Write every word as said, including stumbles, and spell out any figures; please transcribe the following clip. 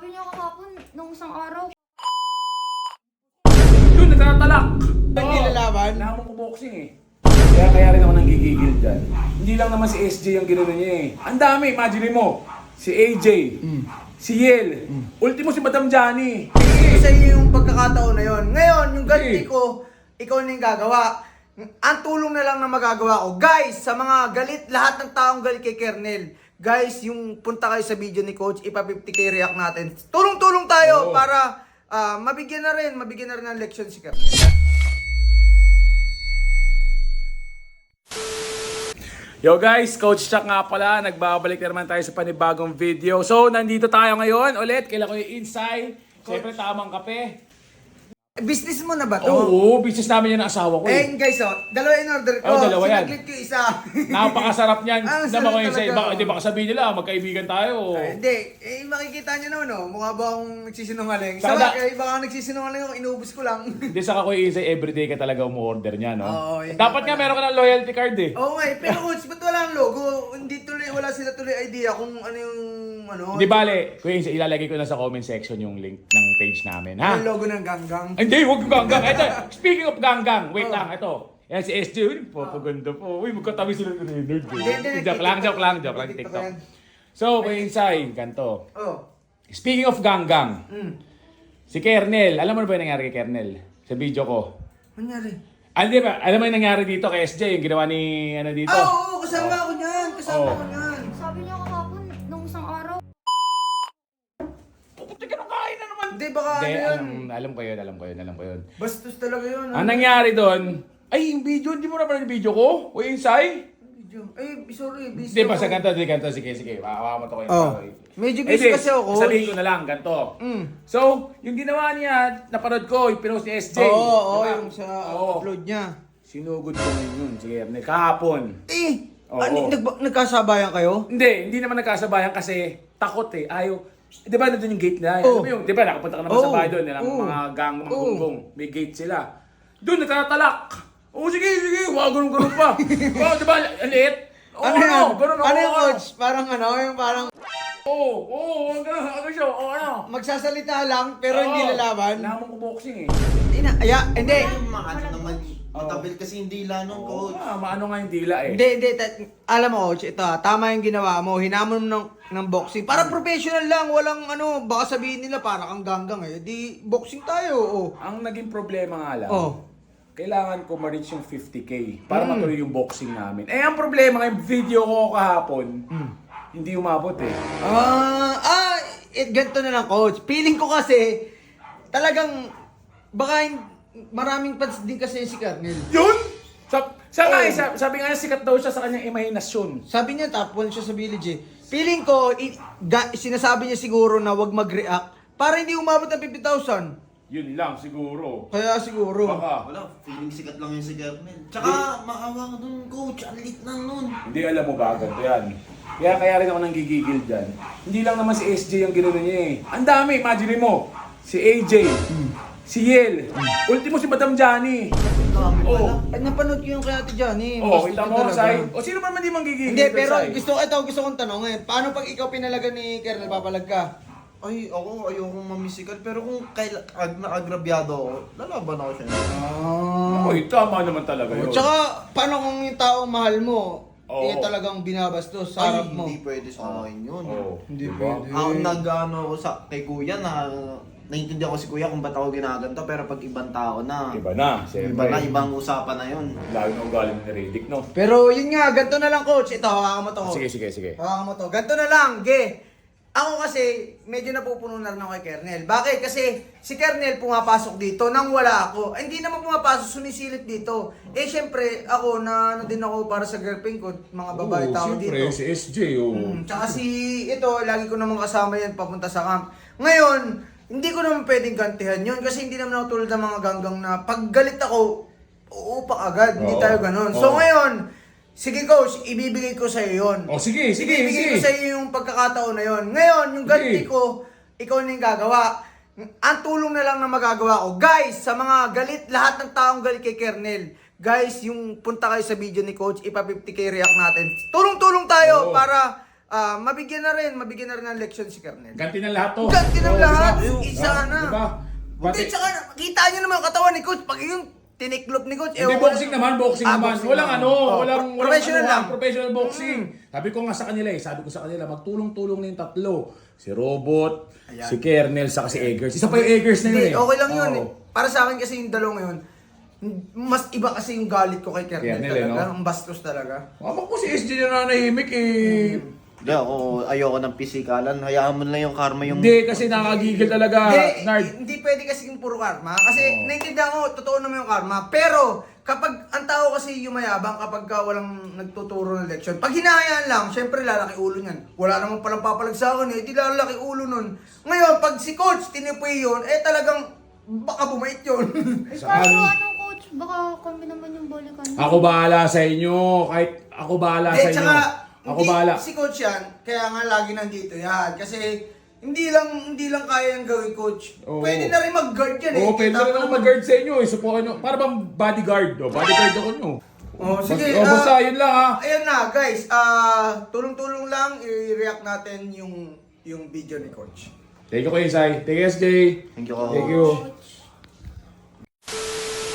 Sabi niya kahapon, nung isang araw. Yun, nagtatalak! Hindi lalaban? Wala mong kuboxing eh. Kaya kaya rin ako nang gigigil dyan. Hindi lang naman si S J ang gano'n niya eh. Ang dami, imagine mo. Si A J, si Yel, ultimo si Madam Johnny. Hindi sa iyo yung pagkakataon na yon. Ngayon, yung Eh. ganti ko, ikaw na yung gagawa. Ang tulong na lang na magagawa ko. Guys, sa mga galit, lahat ng taong galit kay Kernel. Guys, yung punta kayo sa video ni Coach, ipa fifty K react natin. Tulong-tulong tayo Oo. para ah, mabigyan na rin, mabigyan na rin ng leksyon si Kernel. Yo guys, Coach Chuck nga pala. Nagbabalik na naman tayo sa panibagong video. So, nandito tayo ngayon ulit. Kailan ko yung inside. Siyempre, tamang kape. Business mo na ba to? Oo, business namin yan ng asawa ko Eh eh. guys, oh, dalawa in order ko. Oh, dalawa yan. Sinaglit ko isa. Napakasarap niyan. Ang Naman sarap ko yung isa. talaga, Baka, oh. hindi baka sabihin nila, magkaibigan tayo. Ay, hindi. Eh, makikita nyo naman, no? Mukha ba akong nagsisinungaling? Saka Sa da- bagay, baka nagsisinungaling ako, inubos ko lang. Hindi sa ako yung isa, everyday ka talaga umu-order niya, no? Oo, yun Dapat nga nga pala. meron ka ng loyalty card eh. Oo nga eh, pero coach, ba't wala ang logo? Hindi tuloy, wala sila tuloy idea kung ano yung, ano, Hindi bale, kuya Insa, ilalagay ko na sa comment section yung link ng page namin, ha? yung logo ng ganggang. Hindi, huwag yung ganggang. Ito, speaking of ganggang, wait Oh. lang, ito. Yan si S J, uy, papaganda po. Uy, magkatabi sila ng nerd. Hindi, hindi, Joke lang, joke lang, joke lang, TikTok TikTok. yan. So, kuya Insay, ganito. Oh. Speaking of ganggang, Mm. si Kernel, alam mo na ba yung nangyari kay Kernel? Sa video ko. Manyari? Ah, di ba? Alam mo yung nangyari dito kay S J, yung ginawa ni, ano dito? Ah, oo, kasama ako niyan. Kasama Oh. ako niyan. Sabi niya kahapon, nung isang araw. Puputi ka ng kain na naman. Hindi, baka Hindi, ano yan. alam, alam ko yun, alam ko yun, alam ko yun. Bastos talaga yun. Ang nangyari doon, ay, yung video, hindi mo na pala yung video ko? Kuya Insay? Video. Ay, sorry, busy Hindi pa, ako. sa ganito, sige, ganito, sige, sige. Makawa mo to kayo. Oh. Medyo Eh, busy di, kasi ako, coach. Sabihin ko na lang, ganito. Mm. So, yung ginawa niya, napanood ko, yung pinost ni S J. Oo, oo, Diba? yung sa Oo. upload niya. Sinugod ko ngayon yun, sige, kahapon. Eh, Oo. ano, nag- nagkasabayan kayo? Hindi, hindi naman nagkasabayan kasi takot eh. Ayaw, di ba nandun yung gate na? Alam mo Oo. yung, di ba nakapunta ka naman Oo. sa bahay doon, nilang Oo. mga gang, mga Oo. gunggong, may gate sila. Doon, nagtatalak. Oo, sige, sige, wag ganun-ganun pa. Wow, di ba, ang liit? Oo, Ano yan? ganun, Ano oo, yung oo. coach? Parang ano, yung parang Oo, oo, oo, ganun, ano siya, oo, ano. magsasalita lang pero hindi Oo. lalaban. Wala mong kuboxing eh. Ina, aya, hindi. Maano naman, matabil kasi yung dila nun, Oo, coach. nga, maano nga yung dila eh. Hindi, hindi. Ta- alam mo, coach, ito ah, tama yung ginawa mo. Hinamon mo ng, ng boxing. Para professional lang. Walang ano, baka sabihin nila para kang ganggang eh. Di, boxing tayo. Oh. Ang naging problema nga lang, Oh. kailangan ko ma-reach yung fifty K para Mm. matuloy yung boxing namin. Eh, ang problema yung video ko kahapon, Mm. hindi umabot eh. Ah, ah, it, ganito na lang, coach. Feeling ko kasi, talagang, baka hin- maraming fans din kasi si Kernel. Yun? Sa, sa nga Oh. eh, sa- sabi nga niya, sikat daw siya sa kanyang imahinasyon. Sabi niya, top one siya sa village eh. Feeling ko, i- ga- sinasabi niya siguro na wag mag-react para hindi umabot ng fifty thousand. Yun lang, siguro. Kaya siguro. Baka. Wala, feeling sikat lang yun si Kernel. Tsaka, maawa ka dun, coach. Ang lit lang nun. Hindi alam mo gaganto yan. Kaya kaya rin ako nang gigigil dyan. Hindi lang naman si S J ang gano'n niya eh. Ang dami, imagine mo. Si A J, si Yel, ultimo si Madam Johnny. Ang dami Oh. pala. Ay, napanood ko yung kaya ti Johnny. Oh, Gusto kita ko mo, talaga. Sai. O sino man man di manggigigil Hindi, doon, pero Sai? gusto ko, ito gusto kong tanongin. Paano pag ikaw pinalagan ni Kernel, papalag ka? Ay, ako, ayokong mamisikat. Pero kung kaila, ag, naagrabyado ako, lalaban ako siya. Ah. Oy, tama naman talaga yun. Tsaka, paano kung yung taong mahal mo, Oo. eh talagang binabastos sa Ay, harap mo? hindi pwede sa akin yun. Oh, Hindi diba? pwede. Ako nag-ano ako sa, kay kuya na, naiintindihan ko si kuya kung ba't ako ginaganto. Pero pag ibang tao na, Iba na, siyempre. iba na, ibang usapan na yun. Lalo na ugali ni Riddick, no? Pero yun nga, ganito na lang coach. Ito, hawakan mo to. Sige, sige, sige. Hawakan mo to. Ganito na lang, ge. Ako kasi, medyo napupuno na rin ako kay Kernel. Bakit? Kasi si Kernel pumapasok dito nang wala ako. Ay, hindi naman pumapasok, sumisilip dito. Eh, syempre, ako na ano din ako para sa girlfriend ko, mga babae tao dito. si S J, oh. Mm, tsaka si, ito, lagi ko naman kasama yan papunta sa camp. Ngayon, hindi ko naman pwedeng gantihan yun kasi hindi naman ako tulad ng mga ganggang na pag galit ako, uupak agad. Hindi Oo. tayo ganun. So Oo. ngayon, sige coach, ibibigay ko sa'yo yun. Oh, sige, sige, Ibibigay ko sige. sa'yo yung pagkakataon na yun. Ngayon, yung ganti Sige. ko, ikaw na yung gagawa. Ang tulong na lang na magagawa ko. Guys, sa mga galit, lahat ng taong galit kay Kernel, guys, yung punta kayo sa video ni Coach, ipa fifty K react natin. Tulong-tulong tayo Oo. para ah, mabigyan na rin, mabigyan na rin ng leksyon si Kernel. Ganti ng lahat to. Ganti ng Oo, lahat. diba? Isa Ah, na. Diba? Hindi, Pati- tsaka kita nyo naman ang katawan ni Coach. Pag yung tiniklop ni Coach. Hindi, ewan ko boxing na- naman, boxing Ah, naman. boxing Walang naman. ano, Oh, walang, pro- professional walang, lang. ano, professional boxing. Sabi ko nga sa kanila eh, sabi ko sa kanila, magtulong-tulong na yung tatlo. Si Robot, Ayan. si Kernel, saka si Eggers. Isa pa yung Eggers na yun Hindi, eh. okay lang yun. Oo. eh. Para sa akin kasi yung dalawang yun, mas iba kasi yung galit ko kay Kernel, Kernel, eh, talaga. no? Ang bastos talaga. Mama ko si S J na nanahimik eh. Hindi ako, ayoko ng pisikalan. Hayaan mo na lang yung karma yung... Hindi, kasi nakagigil talaga, Hindi, Nard. hindi pwede kasi yung puro karma. Kasi Oo. naiintindihan ko, totoo naman yung karma. Pero, kapag ang tao kasi yumayabang kapag ka walang nagtuturo ng leksyon, pag hinahayaan lang, syempre lalaki ulo niyan. Wala namang palang papalag sa akin eh, di lalaki ulo nun. Ngayon, pag si coach tinipoy yun, eh talagang baka bumait yun. Eh, Saan? kaso anong coach? Baka kami naman yung balikan. Ako bahala sa inyo. Kahit ako bahala sa Eh, inyo. tsaka, Ako hindi, bahala. si coach yan, kaya nga lagi nandito yan. Kasi, hindi lang hindi lang kaya yung gawin coach. Oo. Pwede na rin mag-guard yan eh. Oo, pwede Kita rin ako mo mag-guard sa inyo eh. Supukan nyo. Para bang bodyguard. Oh. Bodyguard ako nyo. Oh, sige. Oh, basta ah, yun lang ha. Ayan na, guys. Ah, tulong-tulong lang i-react natin yung yung video ni coach. Thank you, Kuya Isay. Thank you, S J. Thank you, Thank you. Coach.